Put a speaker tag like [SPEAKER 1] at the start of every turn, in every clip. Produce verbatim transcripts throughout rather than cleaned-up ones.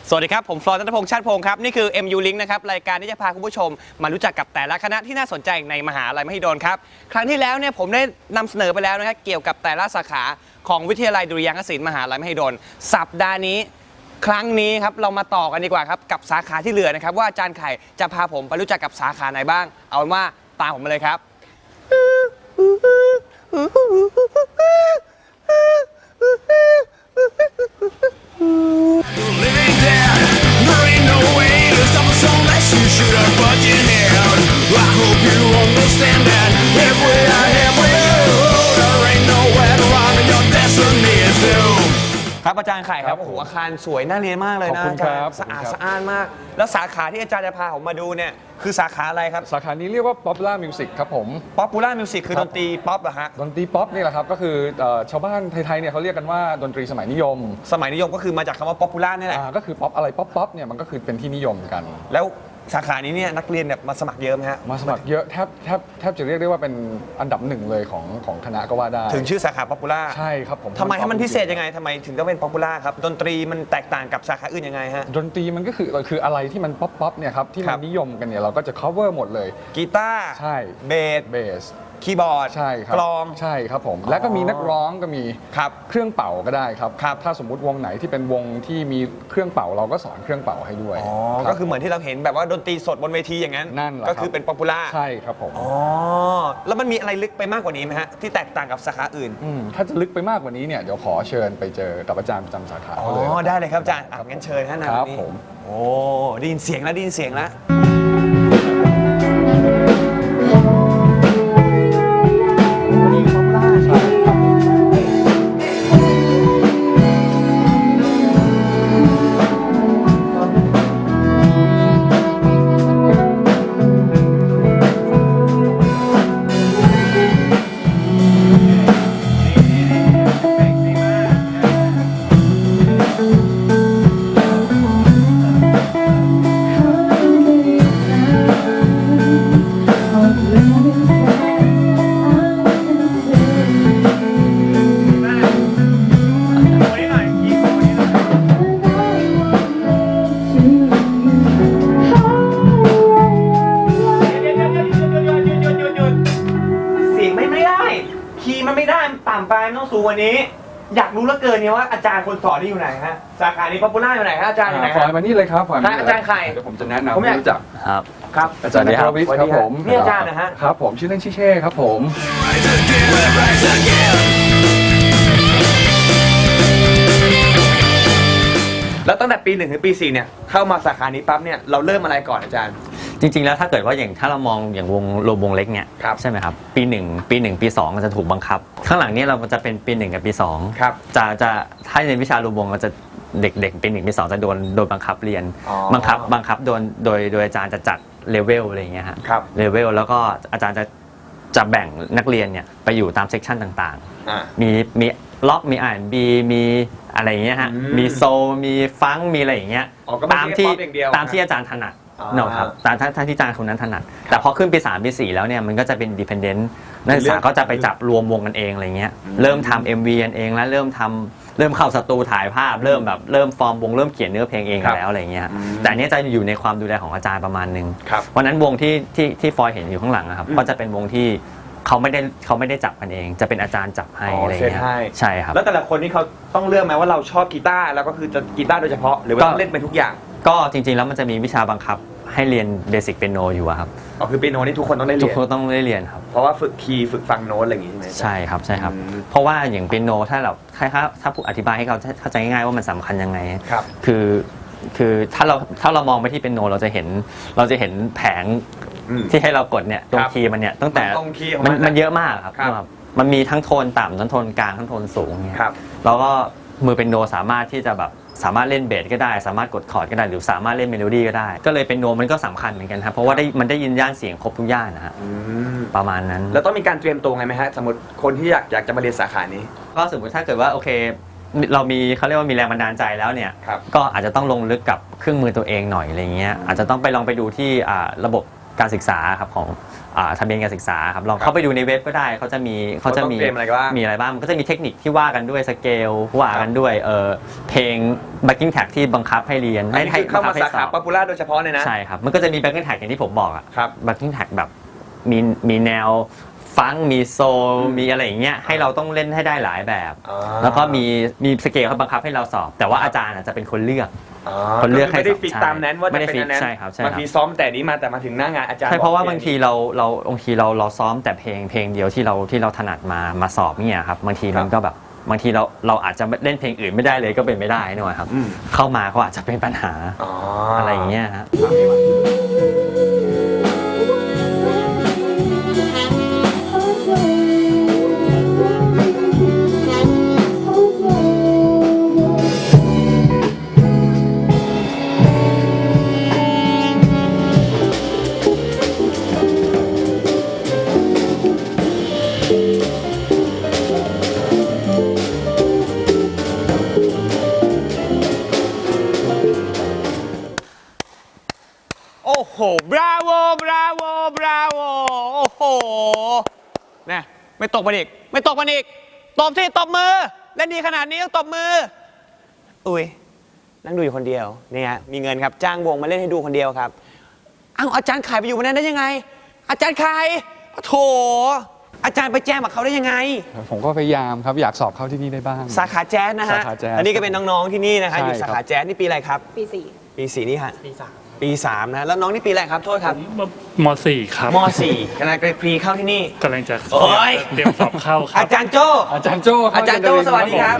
[SPEAKER 1] สวัสดีครับผมฟลอร์นัทพงษ์ชาติพงศ์ครับนี่คือ เอ็ม ยู Link นะครับรายการที่จะพาคุณผู้ชมมารู้จักกับแต่ละคณะที่น่าสนใจในมหาลัยมหิดลครับครั้งที่แล้วเนี่ยผมได้นำเสนอไปแล้วนะครับเกี่ยวกับแต่ละสาขาของวิทยาลัยดุริยางคศิลป์มหาลัยมหิดลสัปดาห์นี้ครั้งนี้ครับเรามาต่อกันดีกว่าครับกับสาขาที่เหลือนะครับว่าอาจารย์ไข่จะพาผมไปรู้จักกับสาขาไหนบ้างเอาเป็นว่าตามผมมาเลยครับครับอาจารย์ไข่ครับโอ้โหอาคารสวยน่าเรียนมากเลยนะ
[SPEAKER 2] ขอบคุณครับ
[SPEAKER 1] สะอาดสะอ้านมากแล้วสาขาที่อาจารย์จะพาผมมาดูเนี่ยคือสาขาอะไรครับ
[SPEAKER 2] สาขานี้เรียกว่า Popular Music ครับผม
[SPEAKER 1] Popular Music คือดนตรีป๊อปเหรอฮะ
[SPEAKER 2] ดนตรีป๊อปนี่แหละครับก็คือเอ่อชาวบ้านไทยๆเนี่ยเขาเรียกกันว่าดนตรีสมัยนิยม
[SPEAKER 1] สมัยนิยมก็คือมาจากคำว่า Popular นี่แหละ
[SPEAKER 2] อ่าก็คือป๊อปอะไรป๊อปป๊อปเนี่ยมันก็คือเป็นที่นิยมกัน
[SPEAKER 1] แล้วสาขานี้เนี่ยนักเรียนแบบมาสมัครเยอะไหมฮะ
[SPEAKER 2] มาสมัครเยอะแทบแทบแทบจะเรียกได้ว่าเป็นอันดับหนึ่งเลยของของคณะก็ว่าได้
[SPEAKER 1] ถึงชื่อสาขา Popular
[SPEAKER 2] ใช่ครับผม
[SPEAKER 1] ทำไมให้มันพิเศษยังไงทำไมถึงต้องเป็น Popular ครับดนตรีมันแตกต่างกับสาขาอื่นยังไงฮะ
[SPEAKER 2] ดนตรีมันก็คือคืออะไรที่มันป๊อปป๊อปเนี่ยครับที่
[SPEAKER 1] ครั
[SPEAKER 2] มัน
[SPEAKER 1] บ
[SPEAKER 2] นิยมกันเนี่ยเราก็จะ cover หมดเลย
[SPEAKER 1] กีตาร์
[SPEAKER 2] ใช่
[SPEAKER 1] เบส
[SPEAKER 2] เบส
[SPEAKER 1] คีย์บอร์ด
[SPEAKER 2] ใช่ครับ
[SPEAKER 1] กลอง
[SPEAKER 2] ใช่ครับผมแล้วก็มีนักร้องก็มี
[SPEAKER 1] ครับ
[SPEAKER 2] เครื่องเป่าก็ได้ครับ
[SPEAKER 1] ครับ
[SPEAKER 2] ถ้าสมมุติวงไหนที่เป็นวงที่มีเครื่องเป่าเราก็สอนเครื่องเป่าให้ด้วย
[SPEAKER 1] อ๋อ
[SPEAKER 2] รับ
[SPEAKER 1] ก็คือเหมือนที่เราเห็นแบบว่าดนตรีสดบนเวทีอย่างนั้น
[SPEAKER 2] นั่นแหละ
[SPEAKER 1] ก็คือเป็น Popular
[SPEAKER 2] ใช่ครับผม
[SPEAKER 1] อ๋อแล้วมันมีอะไรลึกไปมากกว่านี้ไหมฮะที่แตกต่างกับสาขาอื่น
[SPEAKER 2] อืมถ้าจะลึกไปมากกว่านี้เนี่ยเดี๋ยวขอเชิญไปเจอกับอาจารย์ประจำสาขา
[SPEAKER 1] อ๋อ
[SPEAKER 2] เขาเลย
[SPEAKER 1] ได้เลยครับอาจารย์อ่ะงั้นเชิญฮะนะครับ
[SPEAKER 2] ผม
[SPEAKER 1] โอ้ได้ยินเสียงแล้วได้ยินเสียงแล้วมันไม่ได้ต่ำไปมันต้องสูงกว่านี้อยากรู้เหลือเกินเนี่ยว่าอาจารย์คนสอนนี่อยู่ไหนฮะสาขานี้ Popular อยู่ไหนฮะอาจารย์อยู่ไหน
[SPEAKER 2] ฝ
[SPEAKER 1] ฮะ
[SPEAKER 2] อยมานี่เลยครับฝอยมานี่
[SPEAKER 1] อาจารย์ไข่
[SPEAKER 2] เดี๋ยวผมจะแนะนำให้รู้จัก
[SPEAKER 3] ครับ
[SPEAKER 1] ครับ
[SPEAKER 2] อาจารย์นรวิทย์ครับผม
[SPEAKER 1] นี่อาจารย์นะฮะ
[SPEAKER 2] ครับผมชื่อเล่นชื่อเช่ครับผม
[SPEAKER 1] แล้วตั้งแต่ปีหนึ่งถึงปีสี่เนี่ยเข้ามาสาขานี้ปั๊บเนี่ยเราเริ่มอะไรก่อนอาจารย์
[SPEAKER 3] จริงๆแล้วถ้าเกิดว่าอย่างถ้าเรามองอย่างวงโลวงเล็กเนี่ยใช่ไหมครับปีหนึ่งปีหนึ่งปีสองมันจะถูกบังคับข้างหลังนี้เราจะเป็นปีหนึ่งกับปีสองจะจะถ้าในวิชาโลวงเราจะเด็กๆปีหนึ่งปีสองจะโดนโดนบังคับเรียนบังคับบังคับโดนโดยโดยอาจารย์จะจัดเลเวลอะไรอย่างเงี้ยฮะเลเวลแล้วก็อาจารย์จะจะแบ่งนักเรียนเนี่ยไปอยู่ตามเซกชันต่างๆมีมีล็อกมีอ่านบีมีอะไรอย่างเงี้ยฮะมีโซมีฟังมีอะไรอย่างเงี้ยตามที่ตามที่อาจารย์ถนัดเนาะครับตามท่านที่อาจารย์คนนั้นถนัดแต่พอขึ้นปีสามปีสี่แล้วเนี่ยมันก็จะเป็นดิพเอนเดนต์นักศึกษาก็จะไปจับรวมวงกันเองอะไรเงี้ยเริ่มทำ เอ็ม วี กันเองแล้วเริ่มทำเริ่มเข้าสตูถ่ายภาพเริ่มแบบเริ่มฟอร์มวงเริ่มเขียนเนื้อเพลงเองแล้วอะไรเงี้ยแต่อันนี้จะอยู่ในความดูแลของอาจารย์ประมาณนึงเพราะนั้นวงที่ที่ที่ฟอยเห็นอยู่ข้างหลังนะครับก็จะเป็นวงที่เขาไม่ได้เขาไม่ได้จับกันเองจะเป็นอาจารย์จับให้อะไรเงี้ยใช่ครับ
[SPEAKER 1] แล้วแต่ละคนนี่เขาต้องเลือกไหมว่าเราชอบกีตาร์แล้วก็คือจะกีตาร์โดยเฉพาะหรือว่าต้องเล่นเป็นทุกอย่าง
[SPEAKER 3] ก็จริงๆแล้วมันจะมีวิชาบังคับให้เรียนเบสิกเปียโนอยู่ครับ
[SPEAKER 1] อ๋อคือเปียโนนี่ทุกคนต้องได้เรียน
[SPEAKER 3] ทุกคนต้องได้เรียนครับ
[SPEAKER 1] เพราะว่าฝึกคีย์ฝึกฟังโน้ตอะไรอย่างงี้ใช่ไหม
[SPEAKER 3] ใช่ครับใช่ครับเพราะว่าอย่างเปียโนถ้าเราถ้าถ้าผู้อธิบายให้เขาเข้าใจง่ายๆว่ามันสำคัญยังไง
[SPEAKER 1] ครับ
[SPEAKER 3] คือคือถ้าเราถ้าเรามองไปที่เปียโนเราจะเห็นเราจะเห็นแผงที่ให้เรากดเนี่ยตรงคีย์มันเนี่ยตั้งแต่มันมันเยอะมากครับมันมีทั้งโทนต่ำทั้งโทนกลางทั้งโทนสูงเนี่ยแล้วก็มือเปียโนสามารถที่จะแบบสามารถเล่นเบสก็ได้สามารถกดคอร์ดก็ได้หรือสามารถเล่นเมโลดี้ก็ได้ก็เลยเปียโนมันก็สำคัญเหมือนกันครับเพราะว่าได้มันได้ยินย่านเสียงครบทุกย่านนะฮะประมาณนั้น
[SPEAKER 1] แล้วต้องมีการเตรียมตัวไงไหมฮะสมมติคนที่อยากอยากจะมาเรียนสาขานี้
[SPEAKER 3] ก็สมมติถ้าเกิดว่าโอเคเรามีเขาเรียกว่ามีแรงบันดาลใจแล้วเนี่ยก็อาจจะต้องลงลึกกับเครื่องมือตัวเองหน่อยอะไรเงี้ยอาจจะต้องไปลองไปดูที่ระบบการศึกษาครับของอ่าทะเบียนการศึกษาครับลองเข้าไปดูในเว็บก็ได้เขาจะมีเขาจะมี
[SPEAKER 1] ว่าต้องเตรียมอะไรบ้าง
[SPEAKER 3] มีอะไรบ้างมันก็จะมีเทคนิคที่ว่ากันด้วยสเกลว่ากันด้วยเออเพลง backing track ที่บังคับให้เรียน
[SPEAKER 1] อันนี้คือเข้ามาสาขาป๊อปปูล่าโดยเฉพาะเลยนะ
[SPEAKER 3] ใช่ครับมันก็จะมี backing track อย่างที่ผมบอกอะ
[SPEAKER 1] ครับ
[SPEAKER 3] backing track แบบมีมีแนวฟังก์มีโซลมีอะไรอย่างเงี้ยให้เราต้องเล่นให้ได้หลายแบบ
[SPEAKER 1] อ่า
[SPEAKER 3] แล้วก็มีมีสเกลเขาบังคับให้เราสอบ แต่ว่าอาจารย์อาจจะเป็นคนเลือก
[SPEAKER 1] อ๋อ
[SPEAKER 3] คนเลือกให้
[SPEAKER 1] ไม่ได้ฟิก
[SPEAKER 3] ใช่
[SPEAKER 1] ตามนั้นว่าจะ
[SPEAKER 3] ไม่ได้
[SPEAKER 1] เป็นอันนั้น
[SPEAKER 3] ฟิกใช่ครับใช่ครับ
[SPEAKER 1] บางทีซ้อมแต่นี้มาแต่มาถึงหน้างานอาจารย์
[SPEAKER 3] ใช่เพราะว่า
[SPEAKER 1] อก
[SPEAKER 3] บางทีเราเราบางทีเราเราซ้อมแต่เพลงเพลงเดียวที่เราที่เราถนัดมามาสอบเนี่ยครับบางทีมันก็แบบบางทีเราเราอาจจะเล่นเพลงอื่นไม่ได้เลยก็เป็นไม่ได้นะครับ
[SPEAKER 1] อืม
[SPEAKER 3] เข้ามาก็อาจจะเป็นปัญหา
[SPEAKER 1] อ๋อ
[SPEAKER 3] อะ
[SPEAKER 1] อะไร
[SPEAKER 3] อย่างเงี้ยฮะ
[SPEAKER 1] โอ้โห บราโว บราโว บราโว โอ้โหนะไม่ตกมันอีก ไม่ตกมันอีก ตบสิตบมือ เล่นดีขนาดนี้ต้องตบมือ อุ้ย นั่งดูอยู่คนเดียว เนี่ย มีเงินครับ จ้างวงมาเล่นให้ดูคนเดียวครับ อ้าวอาจารย์ขายไปอยู่บนนั้นได้ยังไง อาจารย์ขายโถ อาจารย์ไปแจ้งกับเขาได้ยังไง
[SPEAKER 2] ผมก็พยายามครับอยากสอบเข้าที่นี่ได้บ้าง
[SPEAKER 1] สาขาแจ๊สนะฮะ
[SPEAKER 2] สาขาแจ๊ส
[SPEAKER 1] อันนี้ก็เป็นน้องๆที่นี่นะฮะ
[SPEAKER 2] ใช่
[SPEAKER 1] อยู่สา
[SPEAKER 2] ครั
[SPEAKER 1] ขา
[SPEAKER 2] บ
[SPEAKER 1] แจ๊สนี่ปีอะไรครับ
[SPEAKER 4] ปีสี่
[SPEAKER 1] ปีสี่นี่ฮะ
[SPEAKER 4] ปีสาม
[SPEAKER 1] ปีสามนะ แล้วน้องนี่ปีอะไรครับ โทษครับ
[SPEAKER 5] มสี่ครับ
[SPEAKER 1] มสี่กำลังจะพรีเข้าที่นี่
[SPEAKER 5] กำลังจะ
[SPEAKER 1] โอ้ย
[SPEAKER 5] เตรียมสอบเข้าครั
[SPEAKER 1] อา
[SPEAKER 5] บ
[SPEAKER 1] จารย์โจ้
[SPEAKER 2] อาจารย์โจ้คบ
[SPEAKER 1] อาจารย์โจ้สวัสดีครับ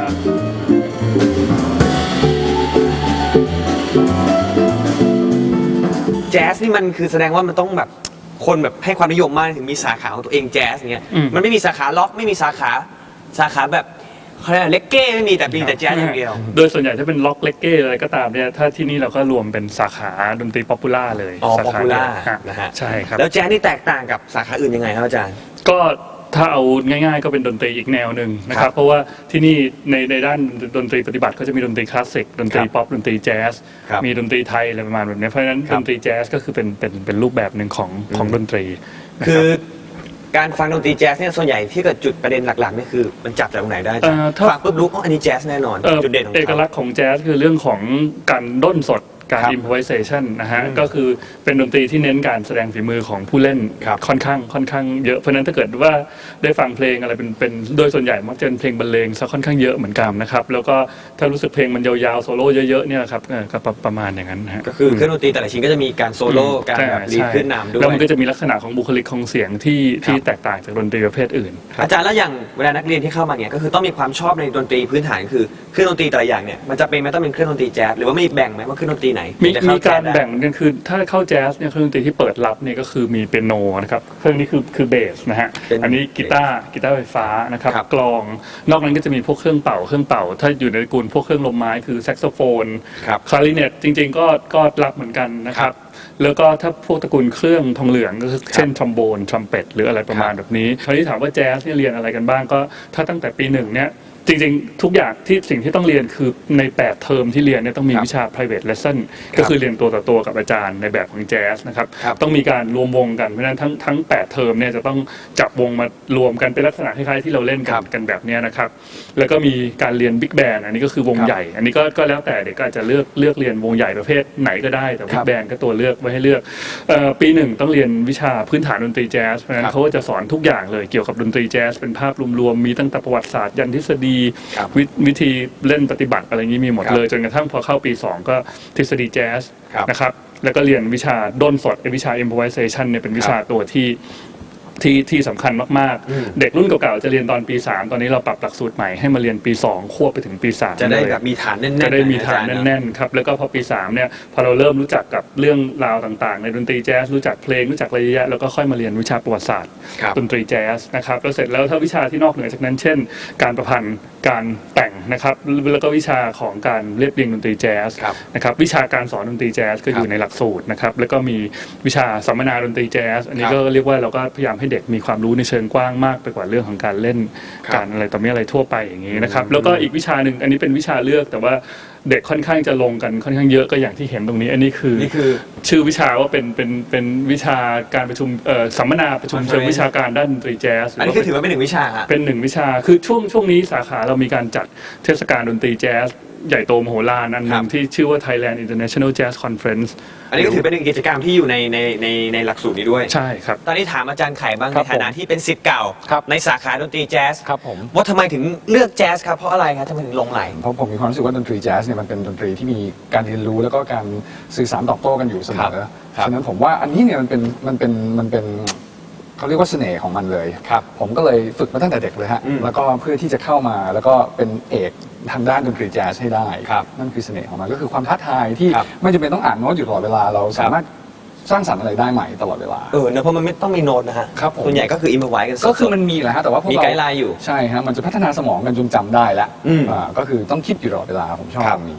[SPEAKER 1] แจ๊สนี่มันคือแสดงว่ามันต้องแบบคนแบบให้ความนิยมมากถึงมีสาขาของตัวเองแจ๊สเงี้ย
[SPEAKER 5] อืม
[SPEAKER 1] มันไม่มีสาขาล็อกไม่มีสาขาสาขาแบบเขาเรียกอะไรเลกเก้ไม่มีแต่มีแต่แจ๊สอย่างเดียว
[SPEAKER 5] โดยส่วนใหญ่ถ้าเป็นล็อกเลกเก้อะไรก็ตามเนี่ยถ้าที่นี่เราก็รวมเป็นสาขาดนตรีป๊อปปูล่าเลย
[SPEAKER 1] อ๋อ
[SPEAKER 5] สา
[SPEAKER 1] ป๊อป
[SPEAKER 5] ขา
[SPEAKER 1] ปูล่า
[SPEAKER 5] เดียวฮะ
[SPEAKER 1] นะฮะ
[SPEAKER 5] ใช่ครับ
[SPEAKER 1] แล้วแจ๊สนี่แตกต่างกับสาขาอื่นยังไงครับอาจารย์
[SPEAKER 5] ก็ถ้าเอาง่ายๆก็เป็นดนตรีอีกแนวหนึ่งนะค
[SPEAKER 1] ครั
[SPEAKER 5] รั
[SPEAKER 1] บบ
[SPEAKER 5] เพราะว่าที่นี่ในในด้านดนตรีปฏิบัติก็จะมีดนตรีคลาสสิกดนตรี
[SPEAKER 1] ครับ
[SPEAKER 5] ป๊อปดนตรีแจ๊ส
[SPEAKER 1] ครับ
[SPEAKER 5] มีดนตรีไทยอะไรประมาณแบบนี้เพราะฉะนั้น
[SPEAKER 1] ครั
[SPEAKER 5] ด
[SPEAKER 1] บ
[SPEAKER 5] นตรีแจ๊สก็คือเป็นเป็นเป็นรูปแบบหนึ่งของของดนตรีนะ
[SPEAKER 1] คื
[SPEAKER 5] รับ
[SPEAKER 1] อการฟังดนตรีแจ๊สเนี่ยส่วนใหญ่ที่เกิดจุดประเด็นหลักๆนี่คือมันจับจากตรงไหนได้อาจารย์
[SPEAKER 5] เอ่อถ้า
[SPEAKER 1] ฟังปุ๊บรู้อ๋ออันนี้แจ๊สแน่นอน
[SPEAKER 5] เอ่อ
[SPEAKER 1] จุดเด่นของ
[SPEAKER 5] เอก
[SPEAKER 1] เขา
[SPEAKER 5] ลักษณ์ของแจ๊สคือเรื่องของการด้นสดการ
[SPEAKER 1] ครับ
[SPEAKER 5] improvisation นะฮะ
[SPEAKER 1] อืม
[SPEAKER 5] ก็คือเป็นดนตรีที่เน้นการแสดงฝีมือของผู้เล่น
[SPEAKER 1] ครับ
[SPEAKER 5] ค่อนข้างค่อนข้างเยอะเพราะฉะนั้นถ้าเกิดว่าได้ฟังเพลงอะไรเป็นเป็นโดยส่วนใหญ่มักจะเป็นเพลงบรรเลงซะค่อนข้างเยอะเหมือนกันนะครับแล้วก็ถ้ารู้สึกเพลงมันยาวๆโซโล่เยอะๆเนี่ยครับเออก็ประประมาณอย่างนั้นนะฮะ
[SPEAKER 1] ก็คือเครื่องดนตรีแต่ละชิ้นก็จะมีการโซโล่การแบบรีดขึ้นนำด้วย
[SPEAKER 5] แล้วมันก็จะมีลักษณะของบุคลิกของเสียงที่ที่แตกต่างจากดนตรีประเภทอื่น
[SPEAKER 1] อาจารย์แล้วอย่างเวลานักเรียนที่เข้ามาเนี่ยก็คือต้องมีความชอบในดนตรีพื้นฐานคือเครื่องดนตรีแต่ละอย่างเนี่ยมันจะเป็นไหมต้องเป็นเครื่องดนตรีแจ๊สหรือว่าไม่แบ่งไหมว่าเครื่องดนตรีไหน
[SPEAKER 5] มี
[SPEAKER 1] จะเข้
[SPEAKER 5] มีการ
[SPEAKER 1] จ๊สได้
[SPEAKER 5] แบ่งกันคือถ้าเข้าแจ๊สเนี่ยเครื่องดนตรีที่เปิดรับเนี่ยก็คือมีเปียโนนะครับเครื่องนี้คือคือเบสนะฮะ
[SPEAKER 1] เป็น
[SPEAKER 5] อันนี้กีตาร์กีตาร์ไฟฟ้านะครับ
[SPEAKER 1] ครับ
[SPEAKER 5] กลองนอกนั้นก็จะมีพวกเครื่องเป่าเครื่องเป่า ถ้าอยู่ในตระกูลพวกเครื่องลมไม้คือแซกโซโฟน
[SPEAKER 1] ครับ
[SPEAKER 5] คลาริเนตจริงๆก็ก็รับเหมือนกันนะค
[SPEAKER 1] ครั
[SPEAKER 5] รั
[SPEAKER 1] บบ
[SPEAKER 5] แล้วก็ถ้าพวกตระกูลเครื่องทองเหลืองก็คือเช่นทรอมโบนทรัมเป็ตหรืออะไรประมาณแบบนี้คราวนี้ถามว่าแจ๊สเนี่ยเรียนอะไรกันบ้างก็ถ้าตั้งแต่ปีหนึ่งเนี่ยจริงๆ ทุกอย่างที่สิ่งที่ต้องเรียนคือในแปดเทอมที่เรียนเนี่ยต้องมี
[SPEAKER 1] ครับ
[SPEAKER 5] วิชา private lesson
[SPEAKER 1] ครับ
[SPEAKER 5] ก็คือเรียนตัวต่อตัวกับอาจารย์ในแบบของแจ๊สนะครับ
[SPEAKER 1] ครับ
[SPEAKER 5] ต้องมีการรวมวงกันเพราะฉะนั้นทั้งทั้งแปดเทอมเนี่ยจะต้องจับวงมารวมกันเป็นลักษณะคล้ายๆที่เราเล่นกั
[SPEAKER 1] ครั
[SPEAKER 5] น
[SPEAKER 1] บ
[SPEAKER 5] กันแบบเนี้ยนะครับแล้วก็มีการเรียนบิ๊กแบนอันนี้ก็คือวง
[SPEAKER 1] ครับ
[SPEAKER 5] ใหญ่ อันนี้ก็ก็แล้วแต่เด็กก็อาจจะเลือกเลือกเรียนวงใหญ่ประเภทไหนก็ได้แต่
[SPEAKER 1] ครั
[SPEAKER 5] บิ๊
[SPEAKER 1] บ
[SPEAKER 5] กแบนก็ตัวเลือกไว้ให้เลือกเอ่อปีหนึ่งต้องเรียนวิชาพื้นฐานดนตรีแจ๊สเพราะฉะนั้
[SPEAKER 1] ครับ
[SPEAKER 5] นเขาก็จะสอนทุกอย่างเลยเกี่ยวกับดนตรีแจ๊สเป็นภาพรวมๆมีตั้งแต่ประวัติศาสตร์ยันทฤษฎี
[SPEAKER 1] ครับ
[SPEAKER 5] วิวิธีเล่นปฏิบัติอะไรอย่างนี้มีหมด
[SPEAKER 1] ครับ
[SPEAKER 5] เลยจนกระทั่งพอเข้าปีสองก็ทฤษฎีแจ๊ส
[SPEAKER 1] ครับ
[SPEAKER 5] นะครับแล้วก็เรียนวิชาด้นสดไอ้วิชา improvisation เนี่ยเป็นวิชาตัวที่ที่ที่สำคัญมาก
[SPEAKER 1] อืม
[SPEAKER 5] ๆ เด็กรุ่นเก่าๆจะเรียนตอนปีสามตอนนี้เราปรับหลักสูตรใหม่ให้มาเรียนปีสองควบไปถึงปีสาม
[SPEAKER 1] จะได้
[SPEAKER 5] เลย
[SPEAKER 1] แบบมีฐานแน่นๆ
[SPEAKER 5] จะได้มีฐาน
[SPEAKER 1] อาจารย์
[SPEAKER 5] แน่นๆครับแล้วก็พอปีสามเนี่ยพอเราเริ่มรู้จักกับเรื่องราวต่างๆ ในดนตรีแจ๊สรู้จักเพลงรู้จักอะไรเยอะแยะแล้วก็ค่อยมาเรียนวิชาประวัติศาสตร์
[SPEAKER 1] ครับ
[SPEAKER 5] ดนตรีแจ๊สนะครับแล้วเสร็จแล้วถ้าวิชาที่นอกเหนือจากนั้นเช่น การประพันธ์การแต่งนะครับแล้วก็วิชาของการเรียบเรียงดนตรีแจ๊ส
[SPEAKER 1] ครับ
[SPEAKER 5] นะครับวิชาการสอนดนตรีแจ๊สก็อยู่ในหลักสูตรนะครับแล้วก็มีวิชาสัมมนาดนตรีแจ๊สอันนี้
[SPEAKER 1] ครับ
[SPEAKER 5] ก็เรียกว่าเราก็พยายามให้เด็กมีความรู้ในเชิงกว้างมากไปกว่าเรื่องของการเล่นการอะไรต่อมีอะไรทั่วไปอย่างนี้นะครับแล้วก็อีกวิชาหนึ่งอันนี้เป็นวิชาเลือกแต่ว่าเด็กค่อนข้างจะลงกันค่อนข้างเยอะก็อย่างที่เห็นตรงนี้ อันนี้คือ
[SPEAKER 1] นี่คือ
[SPEAKER 5] ชื่อวิชาว่าเป็นเป็นเป็นวิชาการประชุมเอ่อสัมมนาประชุมเชิงวิชาการด้านดนตรีแจ๊ส
[SPEAKER 1] อันนี้คือถือว่าเป็นหนึ่งวิชาฮะ
[SPEAKER 5] เป็นหนึ่งวิชาคือช่วงช่วงนี้สาขาเรามีการจัดเทศกาลดนตรีแจ๊สใหญ่โตมโหฬารอันหนึ่งที่ชื่อว่า Thailand International Jazz Conference
[SPEAKER 1] อันนี้ก็ถือเป็นหนึ่งกิจกรรมที่อยู่ในในในในหลักสูตรนี้ด้วย
[SPEAKER 5] ใช่ครับ
[SPEAKER 1] ตอนนี้ถามอาจารย์ไข่บ้าง
[SPEAKER 2] ครั
[SPEAKER 1] ใน
[SPEAKER 2] บ
[SPEAKER 1] ฐานะที่เป็นศิษย์เก่า
[SPEAKER 2] ครับ
[SPEAKER 1] ในสาขาดนตรีแจ๊ส
[SPEAKER 2] ครับผม
[SPEAKER 1] ว่าทำไมถึงเลือกแจ๊สครับเพราะอะไรครับทำไมถึงลงไหล
[SPEAKER 2] เพราะผมมีความรู้สึกว่าดนตรีแจ๊สเนี่ยมันเป็นดนตรีที่มีการเรียนรู้แล้วก็การสื่อสารตอบโต้กันอยู่เสมอ
[SPEAKER 1] ครับ
[SPEAKER 2] ฉะนั้นผมว่าอันนี้เนี่ยมันเป็นมันเป็นมันเป็นเขาเรียกว่าเสน่ห์ของมันเลย
[SPEAKER 1] ครับ
[SPEAKER 2] ผมก็เลยฝึกมาตั้งแต่เด็กเลยฮะ
[SPEAKER 1] อืม
[SPEAKER 2] แล้วก็เพื่อที่จะเข้ามาแล้วก็เป็นเอกทางด้านดนตรีแจ๊สให้ได้
[SPEAKER 1] ครับ
[SPEAKER 2] นั่นคือเสน่ห์ของมันก็คือความท้าทายที่
[SPEAKER 1] ครับ
[SPEAKER 2] ไม่จำเป็นต้องอ่านโน้ตอยู่ตลอดเวลาเราสามารถสร้างสรรค์อะไรได้ใหม่ตลอดเวลา
[SPEAKER 1] เออเนอะเพราะมันไม่ต้องมีโน้ตนะฮะ
[SPEAKER 2] ครับผม
[SPEAKER 1] ส่วนใหญ่ก็คืออิมพอไว้กันสดๆ
[SPEAKER 2] ก็คือมันมีแหละฮะแต่ว่าพวก
[SPEAKER 1] มี
[SPEAKER 2] เรา
[SPEAKER 1] ไกด์ไลน์อยู่
[SPEAKER 2] ใช่ฮะมันจะพัฒนาสมองกันจนจำได้แล้ว
[SPEAKER 1] อืม
[SPEAKER 2] อ่าก็คือต้องคิดอยู่ตลอดเวลาผมชอบ
[SPEAKER 1] ครับ
[SPEAKER 2] ตรงนี้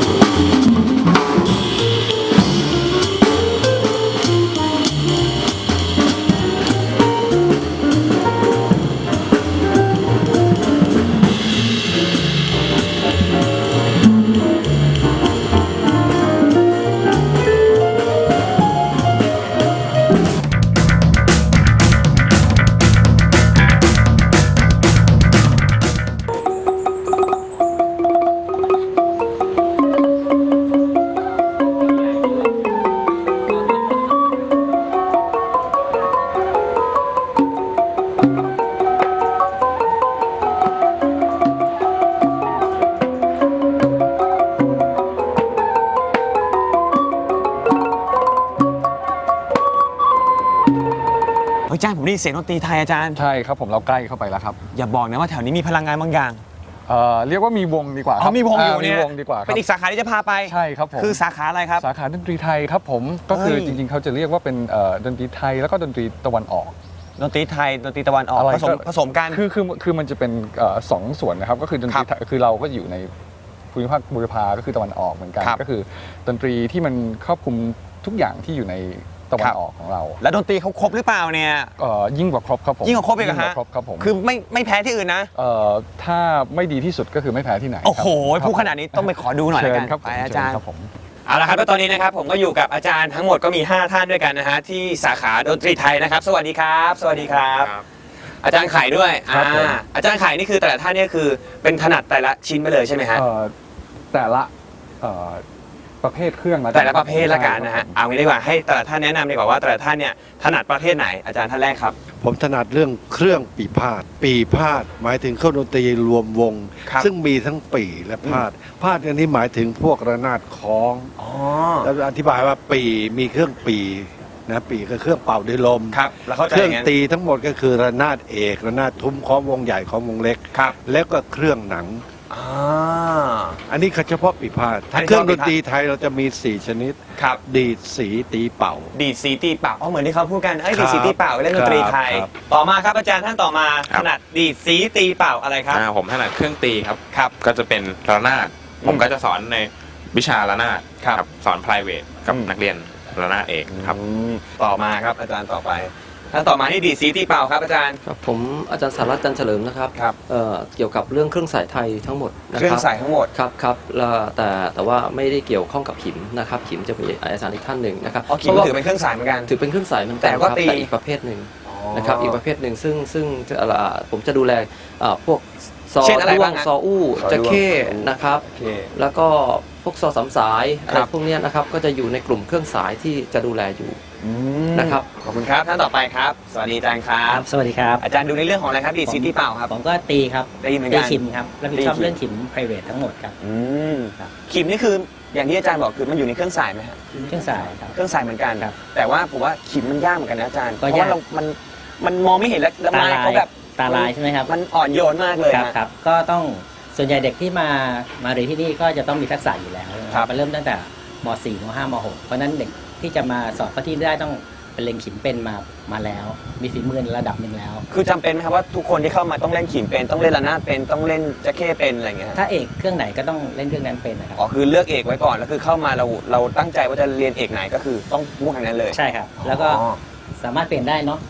[SPEAKER 1] เฮ้ยอาจารย์ผมได้ยินเสียงดนตรีไทยอาจารย์
[SPEAKER 2] ใช่ครับผมเราใกล้เข้าไปแล้วครับ
[SPEAKER 1] อย่าบอกนะว่าแถวนี้มีพลังงานบางอย่าง
[SPEAKER 2] เอ่อเรียกว่ามีวงดีกว่าค
[SPEAKER 1] อ๋
[SPEAKER 2] รั
[SPEAKER 1] อบ มีวงอยู่เนี่ย
[SPEAKER 2] มีวงดีกว่าค
[SPEAKER 1] เป็
[SPEAKER 2] รับ
[SPEAKER 1] นอีกสาขาที่จะพาไป
[SPEAKER 2] ใช่ครับผม
[SPEAKER 1] คือสาขาอะไรครับ
[SPEAKER 2] สาขาดนตรีไทยครับผมก็คือ
[SPEAKER 1] เฮ้ย
[SPEAKER 2] จริงๆ เขาจะเรียกว่าเป็นเอ่อดนตรีไทยแล้วก็ดนตรีตะวันออก
[SPEAKER 1] ดนตรีไทยดนตรีตะวันออก
[SPEAKER 2] อะไร
[SPEAKER 1] ผสม
[SPEAKER 2] ก็
[SPEAKER 1] ผสมกัน
[SPEAKER 2] คือคือคือมันจะเป็นเอ่อสองส่วนนะครับก็คือดนตรีไทยคือเราก็อยู่ในภูมิภาคบูรพาก็คือตะวันออกเหมือนกัน
[SPEAKER 1] ครับ
[SPEAKER 2] ก็คือดนตรีที่มันครอบคลุมทุกอย่างที่อยู่ในตะวั
[SPEAKER 1] ครั
[SPEAKER 2] น
[SPEAKER 1] บ
[SPEAKER 2] ออกของเรา
[SPEAKER 1] แล้วดนตรีเขาครบหรือเปล่าเนี่ย
[SPEAKER 2] เอ่อยิ่งกว่าครบครับผม
[SPEAKER 1] ยิ่งกว่าครบอีกเหรอฮะ
[SPEAKER 2] ยิ่งกว่าครบครับผม
[SPEAKER 1] คือไม่ไม่แพ้ที่อื่นนะ
[SPEAKER 2] เอ่อถ้าไม่ดีที่สุดก็คือไม่แพ้ที่ไหน
[SPEAKER 1] โอ้โห
[SPEAKER 2] ครับ
[SPEAKER 1] พูดขนาดนี้ต้องไปขอดูหน่อยแล้วกัน
[SPEAKER 2] เชิญครับผม
[SPEAKER 1] ไปอาจารย์
[SPEAKER 2] เชิญครับผม
[SPEAKER 1] เอาละครับแล้วตอนนี้นะครับผมก็อยู่กับอาจารย์ทั้งหมดก็มี ห้า ท่านด้วยกันนะฮะที่สาขาดนตรีไทยนะครับ สวัสดีครับ สวัสดีครับ อาจารย์ไข่ด้วย
[SPEAKER 2] ครับผม
[SPEAKER 1] อ่าอาจารย์ไข่นี่คือแต่ละท่านเนี่ยคือเป็นถนัดแต่ละชิ้นไปเลยใช่ไหมฮะ
[SPEAKER 2] เอ่อแต่ละเอ่อประเภทเครื่องละกัน
[SPEAKER 1] แต่ละประเภทละกันนะฮะเอางี้ดีกว่าให้แต่ละท่านแนะนำดีกว่าว่าแต่ละท่านเนี่ยถนัดประเภทไหนอาจารย์ท่านแรกครับ
[SPEAKER 4] ผมถนัดเรื่องเครื่องปีพาดปีพาดหมายถึงเครื่องดนตรีรวมวง
[SPEAKER 1] ครับ
[SPEAKER 4] ซึ่งมีทั้งปีและพาดพาดอันนี้หมายถึงพวกระนาดคล้อง
[SPEAKER 1] อ๋อ
[SPEAKER 4] แล้วอธิบายว่าปีมีเครื่องปีนะปีก็เครื่องเป่าด้วยลม
[SPEAKER 1] ครับแล้วเข้าใจ
[SPEAKER 4] เครื่อง
[SPEAKER 1] ย่านั้น
[SPEAKER 4] ตีทั้งหมดก็คือระนาดเอกระนาดทุ้มคล้องวงใหญ่คล้องวงเล็ก
[SPEAKER 1] ครับ
[SPEAKER 4] แล้วก็เครื่องหนัง
[SPEAKER 1] อ่า
[SPEAKER 4] อันนี้เฉพาะปีพาด
[SPEAKER 1] อันนี้
[SPEAKER 4] ถ้าเครื่อง
[SPEAKER 1] เฉ
[SPEAKER 4] ด
[SPEAKER 1] พาะปีพาด
[SPEAKER 4] นตรีไทยเราจะมีสี่ชนิด
[SPEAKER 1] ครับ
[SPEAKER 4] ดีดสีตีเป่า
[SPEAKER 1] ดีดสีตีเป่าอ๋อเหมือนที่เขาพูดกันเอ้ย
[SPEAKER 4] ครั
[SPEAKER 1] ดี
[SPEAKER 4] บ
[SPEAKER 1] ดสีตีเป่าเล่นดนตรีไทย
[SPEAKER 4] ครับ
[SPEAKER 1] ต่อมาครับอาจารย์ท่านต่อมา
[SPEAKER 6] ครั
[SPEAKER 1] ถ
[SPEAKER 6] บ
[SPEAKER 1] นัดดีดสีตีเป่าอะไรครับ
[SPEAKER 6] อ่าผมถนัดเครื่องตีครับ
[SPEAKER 1] ครับ
[SPEAKER 6] ก็จะเป็นระนาด
[SPEAKER 1] อืม
[SPEAKER 6] ผมก็จะสอนในวิชาระนาด
[SPEAKER 1] ครับ
[SPEAKER 6] สอน private กับ
[SPEAKER 1] อืม
[SPEAKER 6] นักเรียนระนาดเอกครับ
[SPEAKER 1] อืมต่อมาครับอาจารย์ต่อไปท่านต่อมานี่ดีดสีตีเป่าครับอาจารย์
[SPEAKER 7] ครับผมอาจารย์สารัตน์จันทร์เฉลิมนะครับ
[SPEAKER 1] ครับ
[SPEAKER 7] เอ่อเกี่ยวกับเรื่องเครื่องสายไทยทั้งหมดนะ
[SPEAKER 1] เครื่
[SPEAKER 7] ค
[SPEAKER 1] อง
[SPEAKER 7] รับ
[SPEAKER 1] ใส่ทั้งหมด
[SPEAKER 7] ครับครับแล้วแต่แต่ว่าไม่ได้เกี่ยวข้องกับขิมนะครับขิมจะเป็นอาจารย์อีกท่านหนึ่งนะครับ
[SPEAKER 1] อ๋อขิม
[SPEAKER 7] พราะว่า
[SPEAKER 1] ถือเป็นเครื่องสายเหมือนกัน
[SPEAKER 7] ถือเป็นเครื่องสายเหมือนกัน
[SPEAKER 1] แต่ว่า
[SPEAKER 7] ครับ
[SPEAKER 1] ตี
[SPEAKER 7] แต่อีกประเภทหนึ่งนะครับอีกประเภทหนึ่งซึ่งซึ่งจะเอ่อผมจะดูแลเอ่อพวกซอ
[SPEAKER 1] เช่นอะไร
[SPEAKER 7] ด้ว
[SPEAKER 1] บ้าง
[SPEAKER 7] ง
[SPEAKER 1] ฮะ
[SPEAKER 7] ซออู้
[SPEAKER 1] ซอด้วง
[SPEAKER 7] จะเข้นะครับ
[SPEAKER 1] โอเค
[SPEAKER 7] แล้วก็พวกซอสามสายอะไร
[SPEAKER 1] ครับ
[SPEAKER 7] พวกเนี้ยนะครับก็จะอยู่ในกลุ่มเครื่องสายที่จะดูแลอยู่
[SPEAKER 1] อืม
[SPEAKER 7] นะครับ
[SPEAKER 1] ขอบคุณครับท่านต่อไปครับ สวัสดีอาจารย์ครั
[SPEAKER 8] ครับ บสวัสดีครับ
[SPEAKER 1] อาจารย์ดูในเรื่องของอะไรครับดีดสีตีเป่าครับ
[SPEAKER 8] ผมก็ตีครับ
[SPEAKER 1] ตีเหมือน
[SPEAKER 8] ตี
[SPEAKER 1] กัน
[SPEAKER 8] ขิมครับรับผิดชอบ
[SPEAKER 1] ตีขิม
[SPEAKER 8] เรื่องขิม private ทั้งหมดครับ
[SPEAKER 1] อืม
[SPEAKER 8] ครับ
[SPEAKER 1] ขิมนี่คืออย่างที่อาจารย์บอกคือมันอยู่ในเครื่องสายไหมฮะ
[SPEAKER 8] เครื่องสายครับ
[SPEAKER 1] เครื่องสายเหมือนกัน
[SPEAKER 8] ครับ
[SPEAKER 1] แต่ว่าผมว่าขิมมันยากเหมือนกันนะอาจารย์เพ
[SPEAKER 8] ก็
[SPEAKER 1] ราะ
[SPEAKER 8] ยาก
[SPEAKER 1] ว่าเรา มันมันมองไม่เห็นแล้วแล้ว
[SPEAKER 8] ตา
[SPEAKER 1] ไม้
[SPEAKER 8] ลาย
[SPEAKER 1] เขาแบบ
[SPEAKER 8] ตาลายใช่ไหมครับ
[SPEAKER 1] มันอ่อนโยนมากเลย
[SPEAKER 8] ครับ
[SPEAKER 1] ฮะ
[SPEAKER 8] ครับก็ต้องส่วนใหญ่เด็กที่มามาเรียนที่นี่ก็จะต้องมีทักษะอยู่แล้ว
[SPEAKER 1] ครับ
[SPEAKER 8] มาเริ่มตั้งแต่ม .สี่ ม .ห้า ม .หก เพราะฉะนั้นเด็กที่จะมาสอบเข้าที่ได้ต้องเป็นเล็งขิมเป็นมามาแล้ว มีฝีมือในระดับหนึ่งแล้ว
[SPEAKER 1] คือจำเป็นไหมครับว่าทุกคนที่เข้ามาต้องเล่นขิมเป็นต้องเล่นระนาดเป็นต้องเล่นแจ็คเก้เป็นอะไรอย่างเงี้ยฮะ
[SPEAKER 8] ถ้าเอกเครื่องไหนก็ต้องเล่นเครื่องนั้นเป็นนะครับ
[SPEAKER 1] อ๋อคือเลือกเอกไว้ก่อนแล้วคือเข้ามาเราเราตั้งใจว่าจะเรียนเอกไหนก็คือต้องมุ่งทางนั้นเลย
[SPEAKER 8] ใช่ครับ แล้วก็
[SPEAKER 1] อ๋อ
[SPEAKER 8] สามารถเปลี่ยนได้เนาะส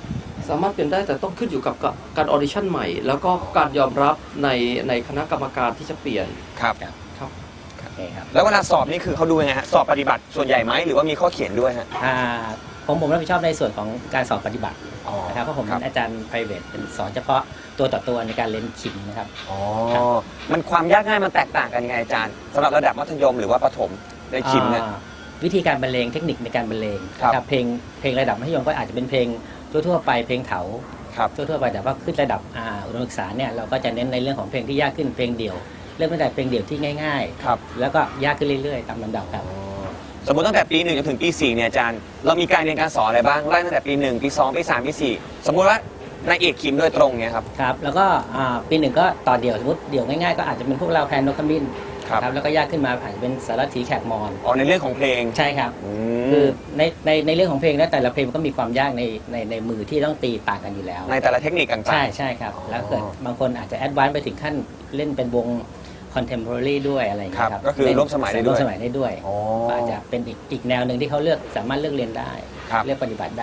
[SPEAKER 7] สามารถเปลี่ยนได้แต่ต้องขึ้นอยู่กับกับการออดิชั่นใหม่ แล้วก็การยอมรับในในคณะกรรมการที่จะเปลี่ยน
[SPEAKER 1] ครับ
[SPEAKER 7] ครับ
[SPEAKER 8] โอเคครับ
[SPEAKER 1] แล้วเวลาสอบนี่คือเขาดูยังไงฮะสอบปฏิบัติส่วนใหญ่ไหมหรือว่ามีข้อเขียนด้วยฮะ
[SPEAKER 8] อ่าผมผมรับผิดชอบในส่วนของการสอบปฏิบัติ
[SPEAKER 1] อ๋อ
[SPEAKER 8] นะครับเพราะผม
[SPEAKER 1] ครั
[SPEAKER 8] เป็
[SPEAKER 1] บ
[SPEAKER 8] นอาจารย์ private เป็นสอนเฉพาะตัวต่อตัวในการเรียนขิมนะครับ
[SPEAKER 1] อ๋อมันความยากง่ายมันแตกต่างกันยังไงอาจารย์สำหรับระดับมัธยมหรือว่าประถมในคิมเนี่ย
[SPEAKER 8] อ่าวิธีการบรรเลงเทคนิคในการบรรเลง
[SPEAKER 1] ครับ
[SPEAKER 8] นะเพลงเพลงระดับมัธยมก็อาจจะเป็นเพลงทั่วๆไปเพลงเถา
[SPEAKER 1] ครับ
[SPEAKER 8] ทั่วๆไปแต่ว่าขึ้นระดับอ่าอุดมศึกษาเนี่ยเราก็จะเน้นในเรื่องของเพลงที่ยากขึ้นเพลงเดี่ยวเริ่มตั้งแต่เพลงเดี่ยวที่ง่าย
[SPEAKER 1] ครับ
[SPEAKER 8] ๆ แล้วก็ยากขึ้นเรื่อยๆตามลำดับครับ
[SPEAKER 1] สมมติตั้งแต่ปีหนึ่งจนถึงปีสี่เนี่ยอาจารย์เรามีการเรียนการสอนอะไรบ้างไล่ตั้งแต่ปีหนึ่งปีสองปีสามปีสี่สมมุติว่านายเอกคิมโดยตรงเนี่ยครับ
[SPEAKER 8] ครับแล้วก็อ่าปีหนึ่งก็ต่อเดี่ยวสมมติเดี่ยวง่ายๆก็อาจจะเป็นพวกเราแพนนกขมิ้น
[SPEAKER 1] ครับ
[SPEAKER 8] แล้วก็ยากขึ้นมาอาจจะเป็นสารถีแขกมอน
[SPEAKER 1] อ๋อในเรื่องของเพลง
[SPEAKER 8] ใช่ครับ
[SPEAKER 1] อื
[SPEAKER 8] คือ
[SPEAKER 1] ม
[SPEAKER 8] ในในในเรื่องของเพลงแล้วแต่ละเพลงมันก็มีความยากในในในมือที่ต้องตีต่างกันอยู่แล้ว
[SPEAKER 1] ในแต่ละเทคนิคต่างๆ
[SPEAKER 8] ใช่ใช่ครับ แล้วเกิดบางคนอาจจะแอดวานซ์ไปถึงขั้นเล่นเป็นวง contemporary ด้วยอะไรอย่างเงี้ย
[SPEAKER 1] ค
[SPEAKER 8] ค
[SPEAKER 1] รั
[SPEAKER 8] รั
[SPEAKER 1] บบ ก็คือร่วมสมัยได้ด้วย
[SPEAKER 8] ร่วมสมัยได้ด้วย
[SPEAKER 1] อ๋อ
[SPEAKER 8] ก็อาจจะเป็นอีกอีกแนวหนึ่งที่เขาเลือกสามารถเลือกเรียนได้
[SPEAKER 1] ครับ
[SPEAKER 8] เลือกปฏิบัติได้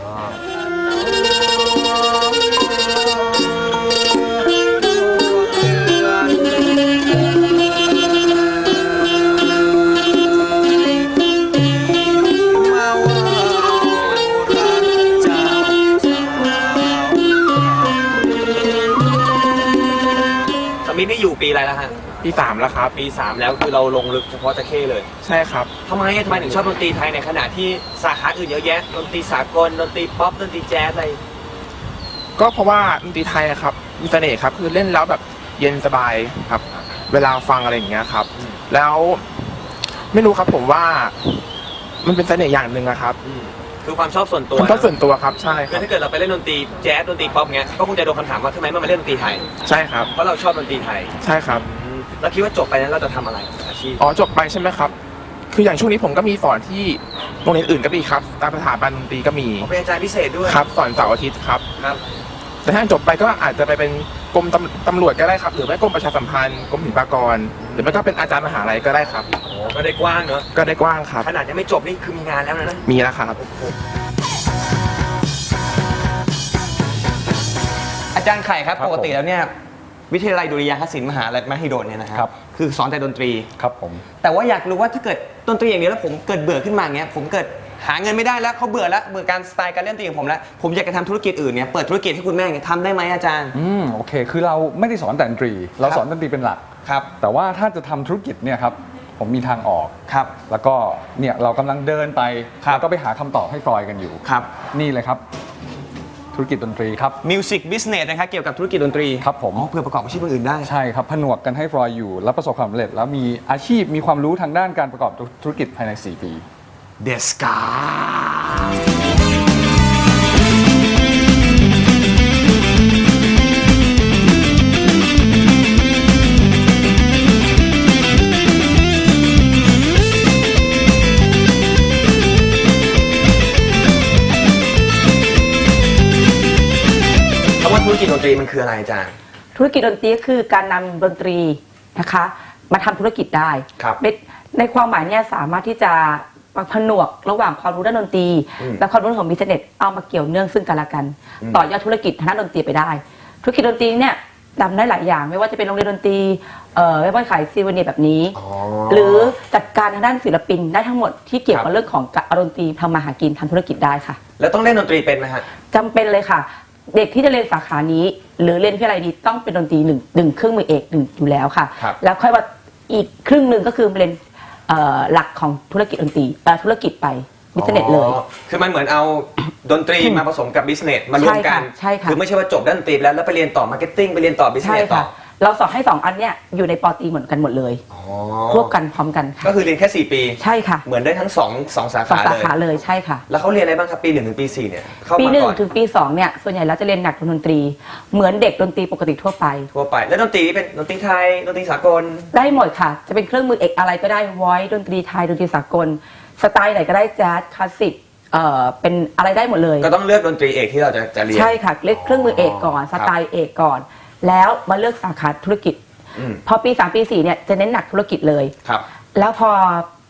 [SPEAKER 1] สมิธนี่อยู่ปีอะไรแล้วฮะ
[SPEAKER 9] ปีสามแล้วครับ
[SPEAKER 1] ปีสามแล้วคือเราลงลึกเฉพาะจะเข้เลย
[SPEAKER 9] ใช่ครับ
[SPEAKER 1] ทำไมทำไมถึงชอบดนตรีไทยในขณะที่สาขาอื่นเยอะแยะดนตรีสากลดนตรีป๊อปดนตรีแจ๊สอะไร
[SPEAKER 9] ก็เพราะว่าดนตรีไทยอะครับมีเสน่ห์ครับคือเล่นแล้วแบบเย็นสบายครับ เวลาฟังอะไรอย่างเงี้ยครับ แล้วไม่รู้ครับผมว่ามันเป็นเสน่ห์อย่างหนึ่งอะครับ
[SPEAKER 1] คือความชอบส่วนตัว
[SPEAKER 9] ผมก็ส่วนตัวครับใช่ค
[SPEAKER 1] คื
[SPEAKER 9] รั
[SPEAKER 1] อบ ถ้าเกิดเราไปเล่นดนตรีแจ๊สดนตรีป๊อปเงี้ยก็คงจะโดนคำถามว่าทำไมไม่มาเล่นดนตรีไทย
[SPEAKER 9] ใช่ครับ
[SPEAKER 1] เพราะเราชอบดนตรีไทย
[SPEAKER 9] ใช่ครับ
[SPEAKER 1] แล้วคิดว่าจบไปนั้นเราจะทำอะไรอาชีพ
[SPEAKER 9] อ๋อจบไปใช่ไหมครับ คืออย่างช่วงนี้ผมก็มีสอนที่โรงเรียนอื่นก็มีครับตามสถาบันดนตรีก็มี
[SPEAKER 1] ผมเป็นอาจารย์พิเศษด้วย
[SPEAKER 9] ครับสอนเสาร์อาทิตย์ครับ
[SPEAKER 1] ครับ
[SPEAKER 9] แต่ถ้าจบไปก็อาจจะไปเป็นกรมตำตำรวจก็ได้ครับ หรือไม่กรมประชาสัมพันธ์กรมศิลปากร หรือไม่ก็เป็นอาจารย์มหาลัยก็ได้ครับ
[SPEAKER 1] โอ้ก็ได้กว้างเนอะ
[SPEAKER 9] ก็ได้กว้างครับ
[SPEAKER 1] ขนาดยังไม่จบนี่คือมีงานแล้วนะ
[SPEAKER 9] มีแล้วครับ
[SPEAKER 1] อาจารย์ไข่ครับ
[SPEAKER 2] ครับ
[SPEAKER 1] ปกติแล้วเนี่ยวิทยาลัยดุริยางคศิลป์มหาลัยมหิดลเนี่ยนะค
[SPEAKER 2] ครั
[SPEAKER 1] รับ คือสอนแต่ดนตรี
[SPEAKER 2] ครับผม
[SPEAKER 1] แต่ว่าอยากรู้ว่าถ้าเกิดดนตรีอย่างเดียวแล้วผมเกิดเบื่อขึ้นมาเงี้ยผมเกิดหาเงินไม่ได้แล้วเขาเบื่อแล้วเบื่อการสไตล์การเล่นดนตรีของผมแล้วผมอยากจะทำธุรกิจอื่นเนี่ยเปิดธุรกิจให้คุณแม่เนี่ยทำได้ไหมอาจารย์
[SPEAKER 2] อืมโอเค คือเราไม่ได้สอนแต่ดนตรี เราสอนดนตรีเป็นหลัก
[SPEAKER 1] ครับ
[SPEAKER 2] แต่ว่าถ้าจะทำธุรกิจเนี่ยครับผมมีทางออก
[SPEAKER 1] ครับ
[SPEAKER 2] แล้วก็เนี่ยเรากำลังเดินไป
[SPEAKER 1] ครับ
[SPEAKER 2] แล้วก็ไปหาคำตอบให้ฟลอยกันอยู่
[SPEAKER 1] ครับ
[SPEAKER 2] นี่เลยครับ ธุรกิจดนตรีครับ
[SPEAKER 1] มิวสิกบิสเนสนะครับเกี่ยวกับธุรกิจดนตรี
[SPEAKER 2] ครับผม
[SPEAKER 1] อ๋อเพื่อประกอบอาชีพอื่นได้
[SPEAKER 2] ใช่ครับผนวกกันให้ฟลอยอยู่ แล้วประสบความสำเร็จ แล้วมีอาชีพมีความรู้ทางด้านการประกอบธุรกิจภายใน สี่ ปี
[SPEAKER 1] เดสกาคำว่าธุรกิจดนตรีมันคืออะไรอาจารย์
[SPEAKER 10] ธุรกิจดนตรีก็คือการนำดนตรีนะคะมาทำธุรกิจได้
[SPEAKER 1] ครับ
[SPEAKER 10] ในในความหมายเนี่ยสามารถที่จะผนวกระหว่างความรู้ด้านดนตรี
[SPEAKER 1] อืม
[SPEAKER 10] และความรู้ของบิสเนสเอามาเกี่ยวเนื่องซึ่งกันและกัน
[SPEAKER 1] อืม
[SPEAKER 10] ต่อยอดธุรกิจทางด้านดนตรีไปได้ ธุรกิจดนตรีเนี่ยทำได้หลายอย่าง ไม่ว่าจะเป็นโรงเรียนดนตรีเอ่อไม่ว่าขายซีวเนียแบบนี้
[SPEAKER 1] อ๋อ
[SPEAKER 10] หรือจัดการทางด้านศิลปินได้ทั้งหมดที่เกี่ยว
[SPEAKER 1] ครั
[SPEAKER 10] กับบ เรื่องของการเอาดนตรีทำมาหากินทำธุรกิจได้ค่ะ
[SPEAKER 1] แล้วต้องเล่นดนตรีเป็นไหมฮะ
[SPEAKER 10] จำเป็นเลยค่ะ เด็กที่จะเรียนสาขานี้ หรือเรียนวิทยาลัยนี้ต้องเป็นดนตรีหนึ่งหนึ่งเครื่องมือเอกหนึ่งอยู่แล้วค่ะ
[SPEAKER 1] ครับ
[SPEAKER 10] แล้วค่อยว่าอีกครึ่งหนึ่งก็คือเรียนเอ่อหลักของธุรกิจดนตรีเอ่อธุรกิจไปบิสเนสเลย
[SPEAKER 1] อ๋อคือมันเหมือนเอาดนตรีมาผสมกับบิสเนสมารวมกัน
[SPEAKER 10] ใช่ค่ะใช่ค่ะ
[SPEAKER 1] คือไม่ใช่ว่าจบด้านดนตรีไปแล้วแล้วไปเรียนต่อมาร์เก็ตติ้งไปเรียนต่อบิส
[SPEAKER 10] ใช่
[SPEAKER 1] เนสต่
[SPEAKER 10] ค่ะ
[SPEAKER 1] อ
[SPEAKER 10] เราสอนให้สองอันเนี้ยอยู่ในปอตรีเหมือนกันหมดเลย
[SPEAKER 1] อ๋อ
[SPEAKER 10] ควบกันพร้อมกันค่ะ
[SPEAKER 1] ก็คือเรียนแค่สี่ปี
[SPEAKER 10] ใช่ค่ะ
[SPEAKER 1] เหมือนได้ทั้งสองสองสา
[SPEAKER 10] สอง
[SPEAKER 1] ขา
[SPEAKER 10] สา
[SPEAKER 1] เลย
[SPEAKER 10] ขาเลยใช่ค่ะ
[SPEAKER 1] แล้วเขาเรียนอะไรบ้างครับปีหนึ่งถึงปีสี่เนี่ยเข้า
[SPEAKER 10] ปี
[SPEAKER 1] มา
[SPEAKER 10] หนึ่ง
[SPEAKER 1] ก่อน
[SPEAKER 10] ถึงปีสองเนี่ยส่วนใหญ่แล้วจะเรียนหนักดนตรี เหมือนเด็กดนตรีปกติทั่วไป
[SPEAKER 1] ทั่วไปแล้วดนตรีนี่เป็นดนตรีไทยดนตรีสากล
[SPEAKER 10] ได้หมดค่ะ จะเป็นเครื่องมือเอกอะไรก็ได้วอยดนตรีไทยดนตรีสากล สไตล์ไหนก็ได้แจ๊สคลาสสิกเอ่อเป็นอะไรได้หมดเลย
[SPEAKER 1] ก็ต้องเลือกดนตรีเอกที่เราจะจะเรียน
[SPEAKER 10] ใช่ค่ะเลือกเครื่องมือเอกก่อนสไตล์เอกก่อน แล้วมาเลือกสาขาธุรกิจ
[SPEAKER 1] อืม
[SPEAKER 10] พอปีสามปีสี่เนี่ยจะเน้นหนักธุรกิจเลย
[SPEAKER 1] ครับ
[SPEAKER 10] แล้วพอ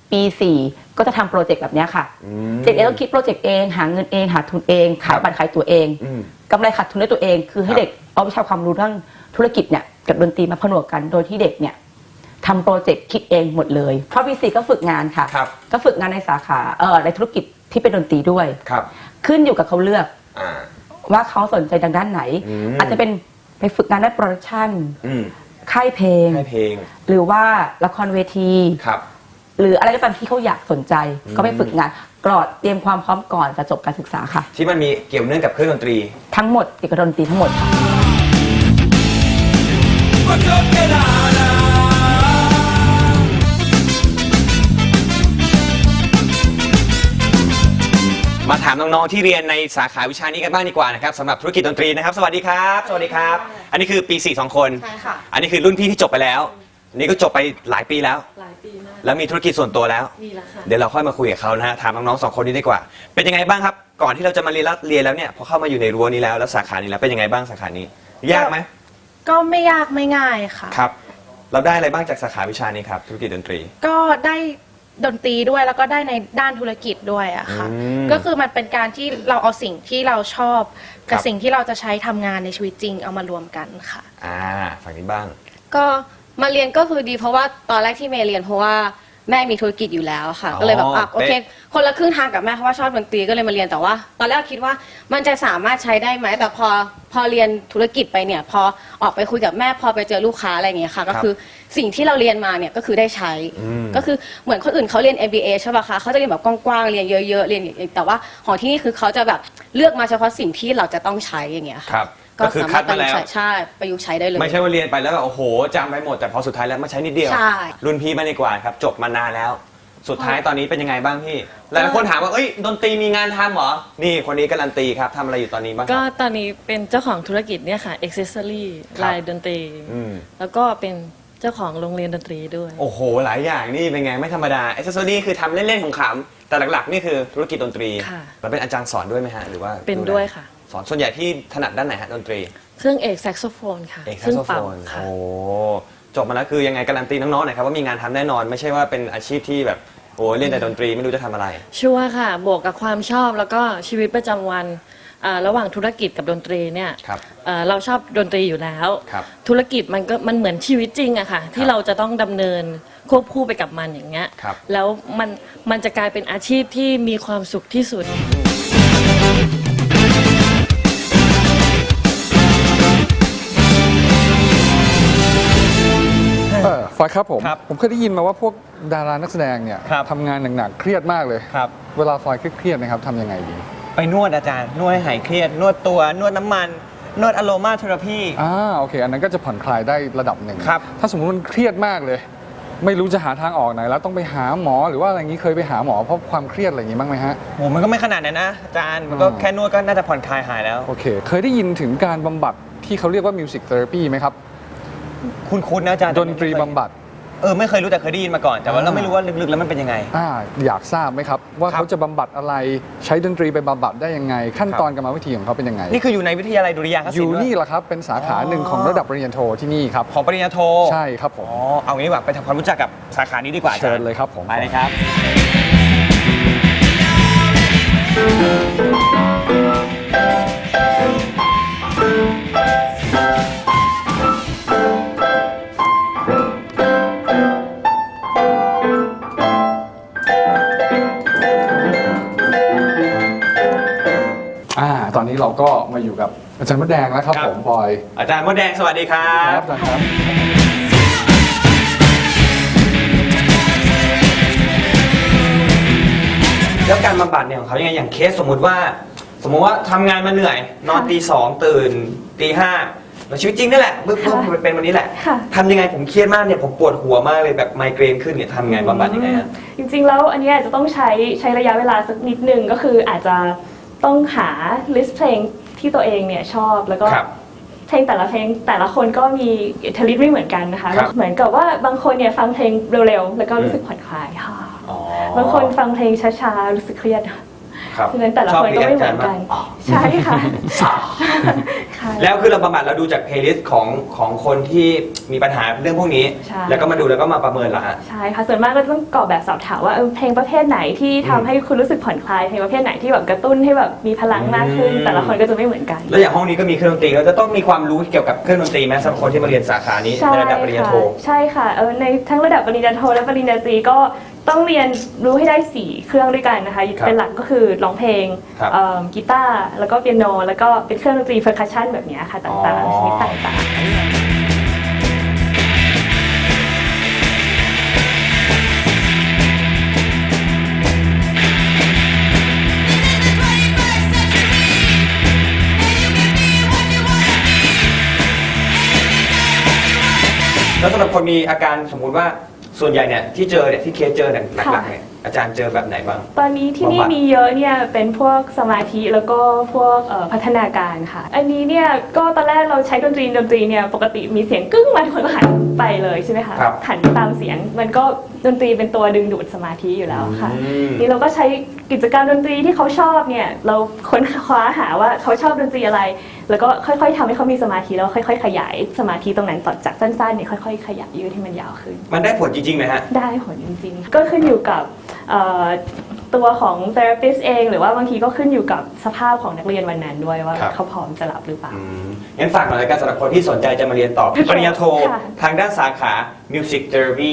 [SPEAKER 10] ปีสี่ก็จะทำโปรเจกต์แบบเนี้ยค่ะเด็กเองต้องคิดโปรเจกต์เองหาเงินเองหาทุนเองขายบัตรขายตั๋วเองกำไรขาดทุนด้วยตัวเอง คือให้เด็กเอาวิชาความรู้เรื่องธุรกิจเนี่ยกับดนตรีมาผนวกกันโดยที่เด็กเนี่ยทำโปรเจกต์คิดเองหมดเลยเพราะปีสี่ก็ฝึกงานค่ะก็ฝึกงานในสาขาเอ่อในธุรกิจที่เป็นดนตรีด้วยขึ้นอยู่กับเขาเลือกว่าเขาสนใจทางด้านไหน อาจจะเป็นไปฝึกงานด้านโปรดักชั่นค่ายเพลงหรือว่าละครเวทีหรืออะไรก็ตามที่เขาอยากสนใจก็ไปฝึกงานกรอดเตรียมความพร้อมก่อนจะจบการศึกษาค่ะ
[SPEAKER 1] ที่มันมีเกี่ยวเนื่องกับเครื่องดนตรี
[SPEAKER 10] ทั้งหมดเกี่ยวกับดนตรีทั้งหมดค่ะ
[SPEAKER 1] มาถามน้องๆที่เรียนในสาขาวิชานี้กันบ้างดีกว่านะครับสำหรับธุรกิจดนตรีนะครับสวัสดีครับสวัสดีครับอันนี้คือปีสี่สองคน
[SPEAKER 11] ใช่ค่ะ
[SPEAKER 1] อันนี้คือรุ่นพี่ที่จบไปแล้วอันนี้ก็จบไปหลายปีแล้ว
[SPEAKER 11] หลายปีมาก
[SPEAKER 1] แล้วมีธุรกิจส่วนตัวแล้ว
[SPEAKER 11] มีแล้วค่ะ
[SPEAKER 1] เดี๋ยวเราค่อยมาคุยกับเขานะฮะถามน้องๆสองคนนี้ดีกว่าเป็นยังไงบ้างครับก่อนที่เราจะมาเรียนแล้วเรียนแล้วเนี่ยพอเข้ามาอยู่ในรั้วนี้แล้วแล้วสาขานี้แล้วเป็นยังไงบ้างสาขานี้ยากไหม
[SPEAKER 11] ก็ไม่ยากไม่ง่ายค่ะ
[SPEAKER 1] ครับเราได้อะไรบ้างจากสาขาวิชานี้ครับธุรกิจดนตรี
[SPEAKER 11] ก็ได้ดนตรีด้วยแล้วก็ได้ในด้านธุรกิจด้วยอะค่ะก็คือมันเป็นการที่เราเอาสิ่งที่เราชอบกับสิ่งที่เราจะใช้ทำงานในชีวิตจริงเอามารวมกันค่ะ
[SPEAKER 1] อ่าฝั่งนี้บ้าง
[SPEAKER 11] ก็มาเรียนก็คือดีเพราะว่าตอนแรกที่เมย์เรียนเพราะว่าแม่มีธุรกิจอยู่แล้วค่ะก็เลยแบบอ่ะโอเคคนละครึ่งทางกับแม่เพราะว่าชอบดนตรีก็เลยมาเรียนแต่ว่าตอนแรกคิดว่ามันจะสามารถใช้ได้ไหมแต่พอพอเรียนธุรกิจไปเนี่ยพอออกไปคุยกับแม่พอไปเจอลูกค้าอะไรอย่างเงี้ยค่ะก็คือสิ่งที่เราเรียนมาเนี่ยก็คือได้ใช้ก็คือเหมือนคนอื่นเขาเรียน เอ็ม บี เอ ใช่ป่ะคะเขาจะเรียนแบบกว้างๆเรียนเยอะๆเรียนแต่ว่าของที่นี่คือเขาจะแบบเลือกมาเฉพาะสิ่งที่เราจะต้องใช้อย่างเงี้ยค่ะ
[SPEAKER 1] ก็คือคัดมาแล้ว
[SPEAKER 11] ใช่ประยุกต์ใช้ได้เลย
[SPEAKER 1] ไม่ใช่ว่าเรียนไปแล้วแบบโอ้โหจำไปหมดแต่พอสุดท้ายแล้วมาใช้นิดเดียวรุ่นพี่มาดีกว่าครับจบมานานแล้วสุดท้ายตอนนี้เป็นยังไงบ้างพี่หลายคนถามว่าเอ้ยดนตรีมีงานทำเหรอนี่คนนี้การันตีครับทำอะไรอยู่ตอนนี้บ้าง
[SPEAKER 12] ก็ตอนนี้เป็นเจ้าของธุรกิจเนี่ยค่ะ accessory ลายดนตรีแล้วก็เป็นเจ้าของโรงเรียนดนตรีด้วย
[SPEAKER 1] โอ้โหหลายอย่างนี่เป็นไงไม่ธรรมดา accessory คือทำเล่นๆของขำแต่หลักๆนี่คือธุรกิจดนตรีเราเป็นอาจารย์สอนด้วยไหมฮะหรือว่า
[SPEAKER 12] เป็นด้วยค่ะ
[SPEAKER 1] สอนส่วนใหญ่ที่ถนัดด้านไหนฮะดนตรี
[SPEAKER 12] เครื่องเอกแซกโซโฟนค่ะ
[SPEAKER 1] เอกแซกโซโฟนโอ้จบมาแล้วคือยังไงการันตีน้องๆหน่อยครับว่ามีงานทำแน่นอนไม่ใช่ว่าเป็นอาชีพที่แบบโอ้เล่นแต่ดนตรีไม่รู้จะทำอะไร
[SPEAKER 12] ชัวร์ค่ะบวกกับความชอบแล้วก็ชีวิตประจำวันระหว่างธุรกิจกับดนตรีเนี่ยเราชอบดนตรีอยู่แล้วธุรกิจมันก็มันเหมือนชีวิตจริงอะค่ะที่เราจะต้องดำเนินควบคู่ไปกับมันอย่างเงี้ยแล้วมันมันจะกลายเป็นอาชีพที่มีความสุขที่สุด
[SPEAKER 2] ฟอยครับผมผมเคยได้ยินมาว่าพวกดารานักแสดงเนี่ยทำงานหนักๆเครียดมากเลยเวลาฟอยเครียดๆนะครับทำยังไงดี
[SPEAKER 1] ไปนวดอาจารย์นวดให้หายเครียดนวดตัวนวดน้ำมันนวดอะโรมาเทอราพี
[SPEAKER 2] อ่าโอเคอันนั้นก็จะผ่อนคลายได้ระดับหนึ่งถ้าสมมติมันเครียดมากเลยไม่รู้จะหาทางออกไหนแล้วต้องไปหาหมอหรือว่าอะไรอย่างนี้เคยไปหาหมอเพราะความเครียดอะไรอย่างนี้บ้างไหมฮะ
[SPEAKER 1] โหมันก็ไม่ขนาดนั้นนะอาจารย์มันก็แค่นวดก็น่าจะผ่อนคลายหายแล้ว
[SPEAKER 2] โอเคเคยได้ยินถึงการบำบัดที่เขาเรียกว่ามิวสิกเทอราพีไหมครับ
[SPEAKER 1] คุ้นๆนะอาจารย์
[SPEAKER 2] ดนตรีบำบัด
[SPEAKER 1] เออไม่เคยรู้แต่เคยได้ยินมาก่อนแต่ว่าเราไม่รู้ว่าลึกๆแล้วมันเป็นยังไง
[SPEAKER 2] อ่าอยากทราบไหมครับว่าเขาจะบำบัดอะไรใช้ดนตรีไปบำบัดได้ยังไงขั้นตอนกรรมวิธีของเขาเป็นยังไง
[SPEAKER 1] นี่คืออยู่ในวิทยาลัยดุริยางคศิลป์
[SPEAKER 2] อยู่นี่แหละครับเป็นสาขาหนึ่งของระดับปริญญาโทที่นี่ครับ
[SPEAKER 1] ของปริญญาโท
[SPEAKER 2] ใช่ครับผม
[SPEAKER 1] อ๋อเอางี้แบบไปทำความรู้จักกับสาขานี้ดีกว่า
[SPEAKER 2] เชิญเลยครับผม
[SPEAKER 1] ไปเลยครับ
[SPEAKER 2] ตอนนี้เราก็มาอยู่กับอาจารย์มดแดงแล้วครับผมบอย
[SPEAKER 1] อาจารย์มดแดงสวัสดีครับ
[SPEAKER 2] ครับครับ
[SPEAKER 1] แล้วการบำบัดเนี่ยของเขายังไงอย่างเคสสมมุติว่าสมมุติว่าทำงานมาเหนื่อยนอนตีสองตื่นตีห้าแล้วชีวิตจริงนี่แหละเบื้องต้นมันเป็นวันนี้แหละทำยังไงผมเครียดมากเนี่ยผมปวดหัวมากเลยแบบไมเกรนขึ้นเนี่ยทำยังไงบำบัดยังไงฮะ
[SPEAKER 13] จริงๆแล้วอันนี้อาจจะต้องใช้ใช้ระยะเวลาสักนิดนึงก็คืออาจจะต้องหาลิสต์เพลงที่ตัวเองเนี่ยชอบแล้วก็เพลงแต่ละเพลงแต่ละคนก็มีอิทธิฤทธิ์ไม่เหมือนกันนะคะเหมือนกับว่าบางคนเนี่ยฟังเพลงเร็วๆแล้วก็รู้สึกผ่อนคลายค่ะบางคนฟังเพลงช้าๆรู้สึกเครียดฉะนั้นแต่ละคนก็ไม่เหมือนกันใช่ค่ะค่ะช่
[SPEAKER 1] แล้วคือเราบำบัดเราดูจากเพลย์ลิสต์ของของคนที่มีปัญหาเรื่องพวกนี้
[SPEAKER 13] ใช่
[SPEAKER 1] แล้วก็มาดูแล้วก็มาประเมินเหรอฮะ
[SPEAKER 13] ใช่ค่ะส่วนมากก็ต้องกรอกแบบสอบถามว่าเออเพลงประเภทไหนที่ทำให้คุณรู้สึกผ่อนคลายเพลงประเภทไหนที่แบบกระตุ้นให้แบบมีพลังมากขึ้น
[SPEAKER 1] อืม
[SPEAKER 13] แต่ละคนก็จะไม่เหมือนกัน
[SPEAKER 1] แล้วอย่างห้องนี้ก็มีเครื่องดนตรีเราจะต้องมีความรู้เกี่ยวกับเครื่องดนตรีไหมสำหรับคนที่มาเรียนสาขานี้
[SPEAKER 13] ใช่
[SPEAKER 1] ในระดับปริญญา
[SPEAKER 13] ค่ะ
[SPEAKER 1] โท
[SPEAKER 13] ใช่ค่ะเออในทั้งระดับปริญญาโทและปริญญาตรีก็ต้องเรียนรู้ให้ได้สี่เครื่องด้วยกันนะคะ
[SPEAKER 1] ครับ
[SPEAKER 13] เป็นหลักก็คือร้องเพลง
[SPEAKER 1] ครับ
[SPEAKER 13] เอิ่มกีตาร์แล้วก็เปียโนแล้วก็เป็นเครื่องดนตรีเพอร์คัชชันแบบเนี้ยค่ะต่างๆชนิดต่างๆ
[SPEAKER 1] แล้วสำหรับคนมีอาการสมมุติว่าส่วนใหญ่เนี่ยที่เจอเนี่ยที่เคสเจอเนี่ยหลักๆเนี่ยอาจารย์เจอแบบไหนบ้าง
[SPEAKER 13] ตอนนี้ที่นี่
[SPEAKER 1] บำบัด
[SPEAKER 13] มีเยอะเนี่ยเป็นพวกสมาธิแล้วก็พวกเอ่อพัฒนาการค่ะ อันนี้เนี่ยก็ตอนแรกเราใช้ดนตรีดนตรีเนี่ยปกติมีเสียงกึ้งมาทุกคนก็หันไปเลยใช่ไหมคะ
[SPEAKER 1] ครับ
[SPEAKER 13] หันตามเสียงมันก็ดนตรีเป็นตัวดึงดูดสมาธิอยู่แล้วค่ะ
[SPEAKER 1] อืม
[SPEAKER 13] นี่เราก็ใช้กิจกรรมดนตรีที่เขาชอบเนี่ยเราค้นคว้าหาว่าเขาชอบดนตรีอะไร แล้วก็ค่อยๆทำให้เขามีสมาธิแล้วค่อยๆ ขยายสมาธิตรงนั้นต่อจากสั้นๆเนี่ยค่อยๆ ขยายยืดให้มันยาวขึ้น
[SPEAKER 1] มันได้ผลจริงๆไหมฮะ
[SPEAKER 13] ได้ผลจริงๆ ก็ขึ้นอยู่กับเอ่อตัวของ therapist เอง หรือว่าบางทีก็ขึ้นอยู่กับสภาพของนักเรียนวันนั้นด้วยว่า
[SPEAKER 1] ครับ
[SPEAKER 13] เขาพร้อมจะรับหรือเปล่า
[SPEAKER 1] งั้นฝากหน่อยแล้วกันสำหรับคนที่สนใจจะมาเรียนต่อปริญญาโท
[SPEAKER 13] ค่ะ
[SPEAKER 1] ทางด้านสาขา Music Therapy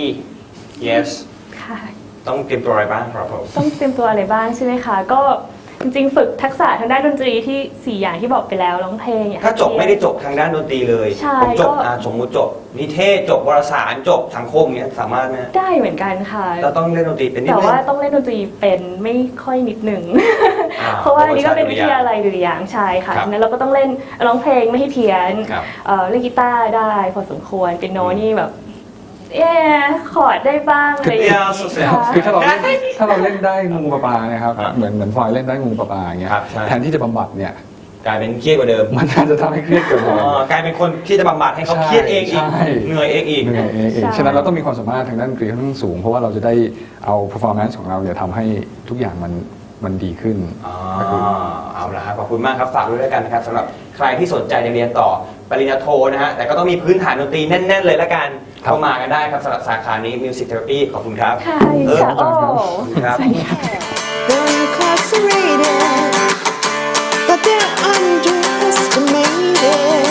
[SPEAKER 1] yes
[SPEAKER 13] ค่ะ
[SPEAKER 1] ต้องเตรียมตัวอะไรบ้างครับผม
[SPEAKER 13] ต้องเตรียมตัวอะไรบ้างใช่ไหมคะ ก็จริงๆ ฝึกทักษะทางด้านดนตรีที่สี่อย่างที่บอกไปแล้วร้องเพลงอย่ง
[SPEAKER 1] ถ้าจบไม่ได้จบทางด้านดนตรีเลย
[SPEAKER 13] ใช่
[SPEAKER 1] ผมจบ
[SPEAKER 13] ก็
[SPEAKER 1] อ่าสมมุติจบนิเทศจบวารสารจบสังคมเนี้ยสามารถไหม
[SPEAKER 13] ได้เหมือนกันค่ะ
[SPEAKER 1] เราต้องเล่นดนตรีเป็นนิด
[SPEAKER 13] แต่
[SPEAKER 1] นึง
[SPEAKER 13] ว่าต้องเล่นดนตรีเป็นไม่ค่อยนิดหนึ่ง
[SPEAKER 1] อ่า
[SPEAKER 13] เพราะว่าอันนี้ก็เป็น
[SPEAKER 1] เพ
[SPEAKER 13] วิ
[SPEAKER 1] ราะว่า
[SPEAKER 13] ทยาลัยดุริยางค์ใช่ค่ะ
[SPEAKER 1] ครับ
[SPEAKER 13] นั้นเราก็ต้องเล่นร้องเพลงไม่ให้เพี้ยน
[SPEAKER 1] ครับ
[SPEAKER 13] เอ่อเล่นกีตาร์ได้พอสมควรเป็นโนนี่แบบเอ๊ะคอร์ดได้บ้างอะไรอย่างเงี้ย
[SPEAKER 2] คือถ้าเราเล่นถ้าเราเล่นได้งูปลาปลาเนี่ยครับ
[SPEAKER 1] ครับ
[SPEAKER 2] เหมือนเหมือนพลอยเล่นได้งูปลาปลาอย่างเงี้ย
[SPEAKER 1] ครับใช่
[SPEAKER 2] แทนที่จะบำบัดเนี่ย
[SPEAKER 1] กลายเป็นเครียดกว่าเดิม
[SPEAKER 2] มันน่าจะทำให้เครียดเกินไป
[SPEAKER 1] อ๋อกลายเป็นคนที่จะบำบัดให้เขาเครียดเองอีก
[SPEAKER 2] ใช่
[SPEAKER 1] เหนื่อยเองอีก
[SPEAKER 2] เหนื่อยเองเอง
[SPEAKER 13] ใช่
[SPEAKER 2] ฉะนั้นเราต้องมีความสามารถทางด้านดนตรีค่อนข้างสูง เพราะว่าเราจะได้เอา performance ของเราเนี่ยทำให้ทุกอย่างมันมันดีขึ้น
[SPEAKER 1] อ๋อ
[SPEAKER 2] ก็คือ
[SPEAKER 1] เอาละครับขอบคุณมากครับฝากด้วยแล้วกันนะครับสำหรับใครที่สนใจจะเรียนต่อปริญญาโทนะฮะแต่ก็ต้องมีพื้นฐานดนตรีแน่น ๆ เลยละกันเข้ามากันได้ครับสำหรับสาขานี้ Music Therapy ขอบคุณครับ
[SPEAKER 13] ค่ะ
[SPEAKER 1] เออ
[SPEAKER 13] ค่ะโอ้
[SPEAKER 1] ขอบคุณครับ
[SPEAKER 13] สวัสดีค่ะ
[SPEAKER 14] They're incarcerated, but they're underestimated.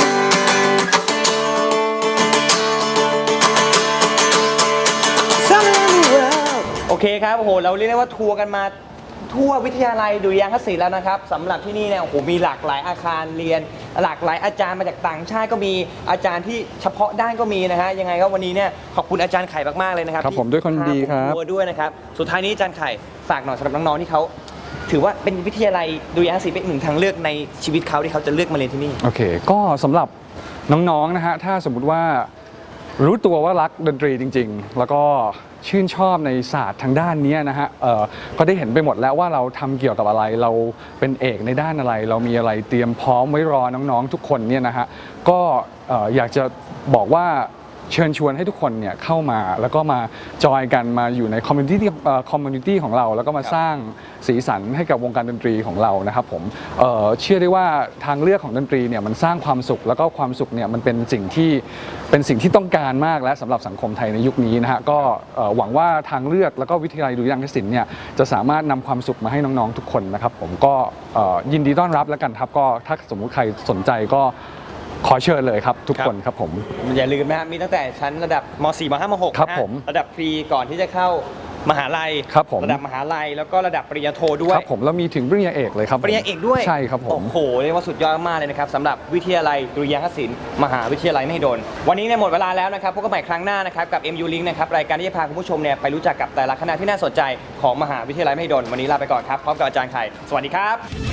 [SPEAKER 14] Some in the world.
[SPEAKER 1] โอเคครับโอ้โหเราเรียกได้ว่าทัวร์กันมาทั่ววิทยาลัยดุริยางคศิลป์แล้วนะครับสำหรับที่นี่เนี่ยโอ้โหมีหลากหลายอาคารเรียน หลากหลายอาจารย์มาจากต่างชาติก็มีอาจารย์ที่เฉพาะด้านก็มีนะฮะยังไงก็วันนี้เนี่ยขอบคุณอาจารย์ไข่มากๆเลยนะครับ
[SPEAKER 2] ครับผมด้วยคนดีครับ
[SPEAKER 1] ที่พาผมทัวร์ด้วยนะครับสุดท้ายนี้อาจารย์ไข่ฝากหน่อยสำหรับน้องๆที่เขาถือว่าเป็นวิทยาลัยดุริยางคศิลป์เป็นหนึ่งทางเลือกในชีวิตเขาที่เขาจะเลือกมาเรียนที่นี่
[SPEAKER 2] โอเค ก็สำหรับน้องๆ นะฮะ ถ้าสมมุติว่ารู้ตัวว่ารักดนตรีจริงๆ แล้วก็ชื่นชอบในศาสตร์ทางด้านนี้นะฮะเอ่อก็ได้เห็นไปหมดแล้วว่าเราทำเกี่ยวกับอะไร เราเป็นเอกในด้านอะไร เรามีอะไรเตรียมพร้อมไว้รอน้องๆ ทุกคนเนี่ยนะฮะ ก็เอ่ออยากจะบอกว่าเชิญชวนให้ทุกคนเนี่ยเข้ามาแล้วก็มาจอยกันมาอยู่ในคอมมูนิตี้คอมมูนิตี้ของเราแล้วก็มาสร้างสีสันให้กับวงการดนตรีของเรานะครับผมเอ่อเชื่อได้ว่าทางเลือกของดนตรีเนี่ยมันสร้างความสุขแล้วก็ความสุขเนี่ยมันเป็นสิ่งที่เป็นสิ่งที่ต้องการมากและสำหรับสังคมไทยในยุคนี้นะฮะก็เอ่อหวังว่าทางเลือกแล้วก็วิทยาลัยดุริยางคศิลป์เนี่ยจะสามารถนำความสุขมาให้น้องๆทุกคนนะครับผมก็เอ่อยินดีต้อนรับแล้วกันครับก็ถ้าสมมุติใครสนใจก็ขอเชิญเลยครับทุกคนครับผม
[SPEAKER 1] อย่าลืมนะฮะมีตั้งแต่ชั้นระดับม .สี่ ม .ห้า ม .หก
[SPEAKER 2] ครับ
[SPEAKER 1] นะฮะ
[SPEAKER 2] ผม
[SPEAKER 1] ระดับพรีก่อนที่จะเข้ามหาลัย
[SPEAKER 2] ครับผม
[SPEAKER 1] ระดับมหาลัยแล้วก็ระดับปริญญาโทด้วย
[SPEAKER 2] ครับผมแล้วมีถึงปริญญาเอกเลยครับผม
[SPEAKER 1] ปริญญาเอกด้วย
[SPEAKER 2] ใช่ครับผม
[SPEAKER 1] โอ้โหเรียกว่าสุดยอดมากเลยนะครับสำหรับวิทยาลัยดุริยางคศิลป์มหาวิทยาลัยมหิดลวันนี้เนี่ยหมดเวลาแล้วนะครับพบกันใหม่ครั้งหน้านะครับกับ เอ็ม ยู Link นะครับรายการที่จะพาคุณผู้ชมเนี่ยไปรู้จักกับแต่ละคณะที่น่าสนใจของมหาวิทยาลัยมหิดลวันนี้ลาไปก่อนครับพร้อมกับอาจารย์ไข่สวัสดีครับ